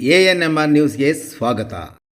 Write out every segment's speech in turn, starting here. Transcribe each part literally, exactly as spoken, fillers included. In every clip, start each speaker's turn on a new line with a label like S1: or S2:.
S1: A N M R ನ್ಯೂಸ್ಗೆ ಸ್ವಾಗತ.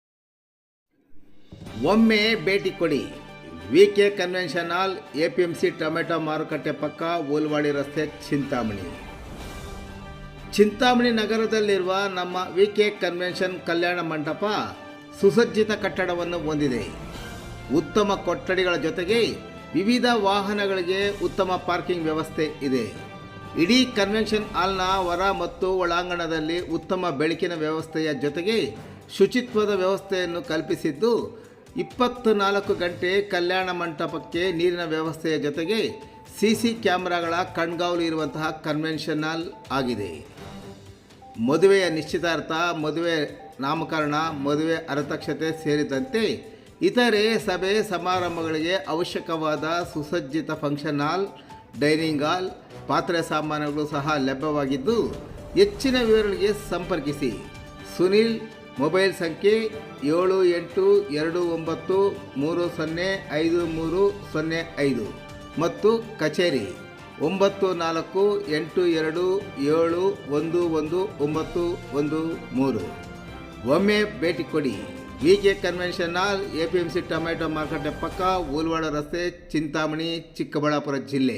S1: ಒಮ್ಮೆ ಭೇಟಿ ಕೊಡಿ. V K convention hall, A P M C tomato ಮಾರುಕಟ್ಟೆ ಪಕ್ಕ, ಓಲ್ವಾಡಿ ರಸ್ತೆ, ಚಿಂತಾಮಣಿ. ಚಿಂತಾಮಣಿ ನಗರದಲ್ಲಿರುವ ನಮ್ಮ ವಿ ಕೆ ಕನ್ವೆನ್ಷನ್ ಕಲ್ಯಾಣ ಮಂಟಪ ಸುಸಜ್ಜಿತ ಕಟ್ಟಡವನ್ನು ಹೊಂದಿದೆ. ಉತ್ತಮ ಕೊಠಡಿಗಳ ಜೊತೆಗೆ ವಿವಿಧ ವಾಹನಗಳಿಗೆ ಉತ್ತಮ ಪಾರ್ಕಿಂಗ್ ವ್ಯವಸ್ಥೆ ಇದೆ. ಇಡೀ ಕನ್ವೆನ್ಷನ್ ಹಾಲ್ನ ಹೊರ ಮತ್ತು ಒಳಾಂಗಣದಲ್ಲಿ ಉತ್ತಮ ಬೆಳಕಿನ ವ್ಯವಸ್ಥೆಯ ಜೊತೆಗೆ ಶುಚಿತ್ವದ ವ್ಯವಸ್ಥೆಯನ್ನು ಕಲ್ಪಿಸಿದ್ದು, ಇಪ್ಪತ್ತು ನಾಲ್ಕು ಗಂಟೆ ಕಲ್ಯಾಣ ಮಂಟಪಕ್ಕೆ ನೀರಿನ ವ್ಯವಸ್ಥೆಯ ಜೊತೆಗೆ ಸಿ ಸಿ ಕ್ಯಾಮ್ರಾಗಳ ಕಣ್ಗಾವಲು ಇರುವಂತಹ ಕನ್ವೆನ್ಷನ್ ಹಾಲ್ ಆಗಿದೆ. ಮದುವೆಯ ನಿಶ್ಚಿತಾರ್ಥ, ಮದುವೆ ನಾಮಕರಣ, ಮದುವೆ ಅರತಕ್ಷತೆ ಸೇರಿದಂತೆ ಇತರೆ ಸಭೆ ಸಮಾರಂಭಗಳಿಗೆ ಅವಶ್ಯಕವಾದ ಸುಸಜ್ಜಿತ ಫಂಕ್ಷನ್ ಹಾಲ್, ಡೈನಿಂಗ್ ಹಾಲ್, ಪಾತ್ರೆ ಸಾಮಾನುಗಳು ಸಹ ಲಭ್ಯವಾಗಿದ್ದು, ಹೆಚ್ಚಿನ ವಿವರಗಳಿಗೆ ಸಂಪರ್ಕಿಸಿ. ಸುನಿಲ್. ಮೊಬೈಲ್ ಸಂಖ್ಯೆ ಏಳು ಎಂಟು ಎರಡು ಒಂಬತ್ತು ಮೂರು ಸೊನ್ನೆ ಐದು ಮೂರು ಸೊನ್ನೆ ಐದು ಮತ್ತು ಕಚೇರಿ ಒಂಬತ್ತು ನಾಲ್ಕು ಎಂಟು ಎರಡು ಏಳು ಒಂದು ಒಂದು ಒಂಬತ್ತು ಒಂದು ಮೂರು. ಒಮ್ಮೆ ಭೇಟಿ ಕೊಡಿ. V K convention hall, A P M C tomato ಮಾರುಕಟ್ಟೆ ಪಕ್ಕ, ಓಲ್ವಾಡ ರಸ್ತೆ, ಚಿಂತಾಮಣಿ, ಚಿಕ್ಕಬಳ್ಳಾಪುರ ಜಿಲ್ಲೆ.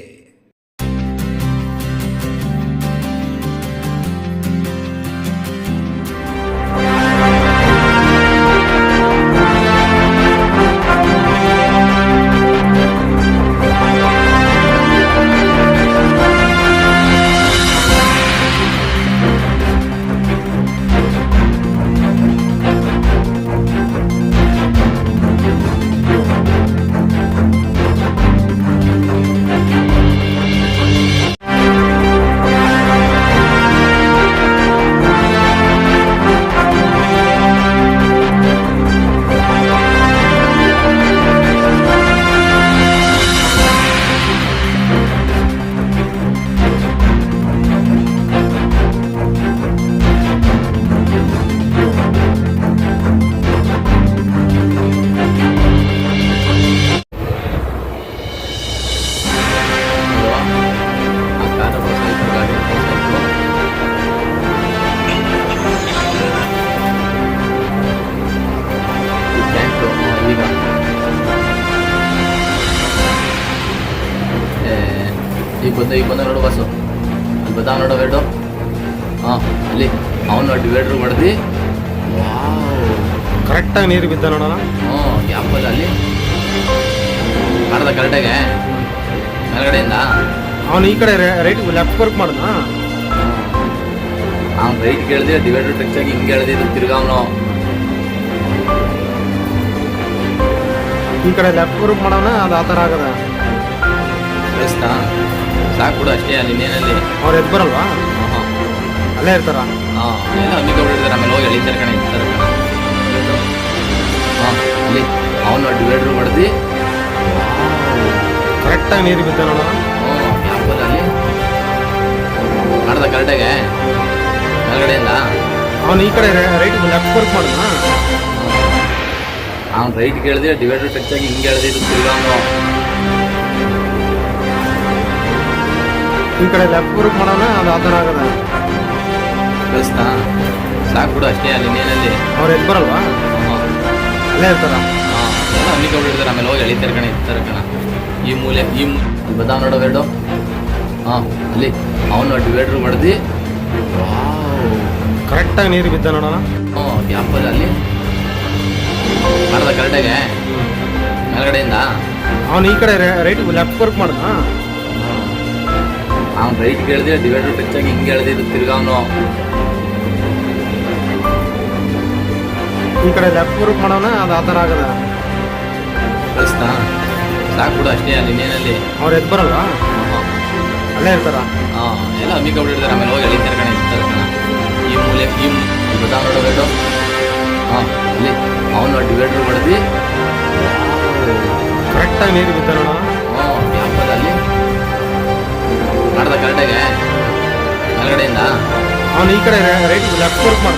S2: ಈಗ ಬಂದು ಈಗ ಬಂದ ನೋಡು ಬಸ್ಸು, ಅಲ್ಲಿ ಬದ ನೋಡೋ ವೇಡು. ಹಾಂ, ಅಲ್ಲಿ ಅವನು ಡಿವೈಡ್ರು ಹೊಡೆದು
S3: ಕರೆಕ್ಟಾಗಿ ನೀರು ಬಿದ್ದ ನೋಡೋಣ.
S2: ಹ್ಞೂ, ಯಾಪಲ್ಲ ಅಲ್ಲಿ ಮಾಡ್ದ ಕರೆಕ್ಟಾಗೆ ಮೇಲ್ಗಡೆಯಿಂದ.
S3: ಅವನು ಈ ಕಡೆ ರೈಟ್ ಲೆಫ್ಟ್ ವರ್ಕ್ ಮಾಡ್ದ.
S2: ಅವ್ನು ರೈಟ್ ಕೇಳಿದೆ, ಡಿವೈಡ್ರು ಟಚ್ ಆಗಿ ಹಿಂಗೆ ಹೇಳ್ದೆ, ತಿರ್ಗ ಅವನು
S3: ಈ ಕಡೆ ಲೆಫ್ಟ್ ವರ್ಕ್ ಮಾಡೋಣ. ಅದು ಆ ಥರ ಆಗದ.
S2: ಕಳಿಸ್ತಾ ಸಾಕು ಬಿಡು ಅಷ್ಟೇ. ಅಲ್ಲಿ ಇನ್ನೇನಲ್ಲಿ
S3: ಅವ್ರು ಎದ್ದು ಬರಲ್ವಾ?
S2: ಹಾಂ,
S3: ಅಲ್ಲೇ ಇರ್ತಾರ.
S2: ಹಾಂ, ಎಲ್ಲ ಅಮ್ಮಿಗೆ ಹೊಡಿರ್ತಾರೆ. ಆಮೇಲೆ ಹೋಗಿ ಎಳಿತಾರೆ ಕಣೆ, ಇರ್ತಾರೆ ಕಣ. ಹಾಂ, ಅಲ್ಲಿ ಅವನು ಡಿವೈಡ್ರು ಹೊಡೆದು
S3: ಕರೆಕ್ಟಾಗಿ ನೀರು ಬಿದ್ದ ನೋಡೋಣ.
S2: ಹ್ಞೂ, ಯಾಪಲ್ಲ ಅಲ್ಲಿ ಮಾಡ್ದ ಕರೆಕ್ಟಾಗೆ ಮೇಲ್ಗಡೆಯಿಂದ.
S3: ಅವನು ಈ ಕಡೆ ರೈಟ್ ಲೆಫ್ಟ್ ವರ್ಕ್ ಮಾಡ್ದ.
S2: ಅವ್ನು ರೈಟ್ ಕೇಳಿದೆ, ಡಿವೈಡ್ರು ಟಚ್ ಆಗಿ ಹಿಂಗೆ ಹೇಳ್ದೆ, ತಿರ್ಗ ಅವನು
S3: ಈ ಕಡೆ ಲೆಫ್ಟ್ ವರ್ಕ್ ಮಾಡೋಣ. ಅದು ಆ ಥರ ಆಗದ.
S2: ಕಳಿಸ್ತಾ ಸಾಕು ಬಿಡು ಅಷ್ಟೇ. ಅಲ್ಲಿ ಇನ್ನೇನಲ್ಲಿ
S3: ಅವ್ರು ಎದ್ದು ಬರಲ್ವಾ?
S2: ಹಾಂ,
S3: ಅಲ್ಲೇ ಇರ್ತಾರ.
S2: ಹಾಂ, ಎಲ್ಲ ಅಮ್ಮಿಗೆ ಹೊಡಿರ್ತಾರೆ. ಆಮೇಲೆ ಹೋಗಿ ಎಳಿತಾರೆ ಕಣೆ, ಇರ್ತಾರೆ ಕಣ. ಈ ಮೂಲೆ ಈ ಅಲ್ಲಿ ಬದ ನೋಡೋ ವೇಡು. ಹಾಂ, ಅಲ್ಲಿ ಅವನು ಡಿವೈಡ್ರು ಹೊಡೆದು
S3: ಕರೆಕ್ಟಾಗಿ ನೀರು ಬಿದ್ದ ನೋಡೋಣ.
S2: ಹ್ಞೂ, ಯಾಪಲ್ಲ ಅಲ್ಲಿ ಮಾಡ್ದ ಕರೆಕ್ಟಾಗೆ ಮೇಲ್ಗಡೆಯಿಂದ.
S3: ಅವನು ಈ ಕಡೆ ರೈಟ್ ಲೆಫ್ಟ್ ವರ್ಕ್ ಮಾಡ್ದ.
S2: ಅವ್ನು ರೈಟ್ ಕೇಳಿದೆ, ಡಿವೈಡ್ರು ಟಚ್ ಆಗಿ ಹಿಂಗೆ ಹೇಳ್ದೆ, ತಿರ್ಗ ಅವನು
S3: ಈ ಕಡೆ ಲೆಫ್ಟ್ ವರ್ಕ್ ಮಾಡೋಣ. ಅದು ಆ ಥರ ಆಗದ.
S2: ಕಳಿಸ್ತಾ ಸಾಕು ಬಿಡು ಅಷ್ಟೇ. ಅಲ್ಲಿ ಇನ್ನೇನಲ್ಲಿ
S3: ಅವ್ರು ಎದ್ದು ಬರಲ್ವಾ?
S2: ಹಾಂ,
S3: ಅಲ್ಲೇ ಇರ್ತಾರ.
S2: ಹಾಂ, ಎಲ್ಲ ಅಮ್ಮಿಗೆ ಹೊಡಿರ್ತಾರೆ. ಆಮೇಲೆ ಹೋಗಿ ಎಳಿತಾರೆ ಕಣೆ, ಇರ್ತಾರೆ ಕಣ. ಈ ಮೂಲೆ ಈ ಬದ ನೋಡೋ ವೇಡು. ಹಾಂ, ಅಲ್ಲಿ ಅವನು ಡಿವೈಡ್ರು ಹೊಡೆದು
S3: ಕರೆಕ್ಟಾಗಿ ನೀರು ಬಿದ್ದ ನೋಡೋಣ.
S2: ಹ್ಞೂ, ಯಾಪಲ್ಲ ಅಲ್ಲಿ ಮಾಡ್ದ ಕರೆಕ್ಟಾಗೆ ಮೇಲ್ಗಡೆಯಿಂದ.
S3: ಅವನು ಈ ಕಡೆ ರೈಟ್ ಲೆಫ್ಟ್ ವರ್ಕ್ ಮಾಡ್ದ.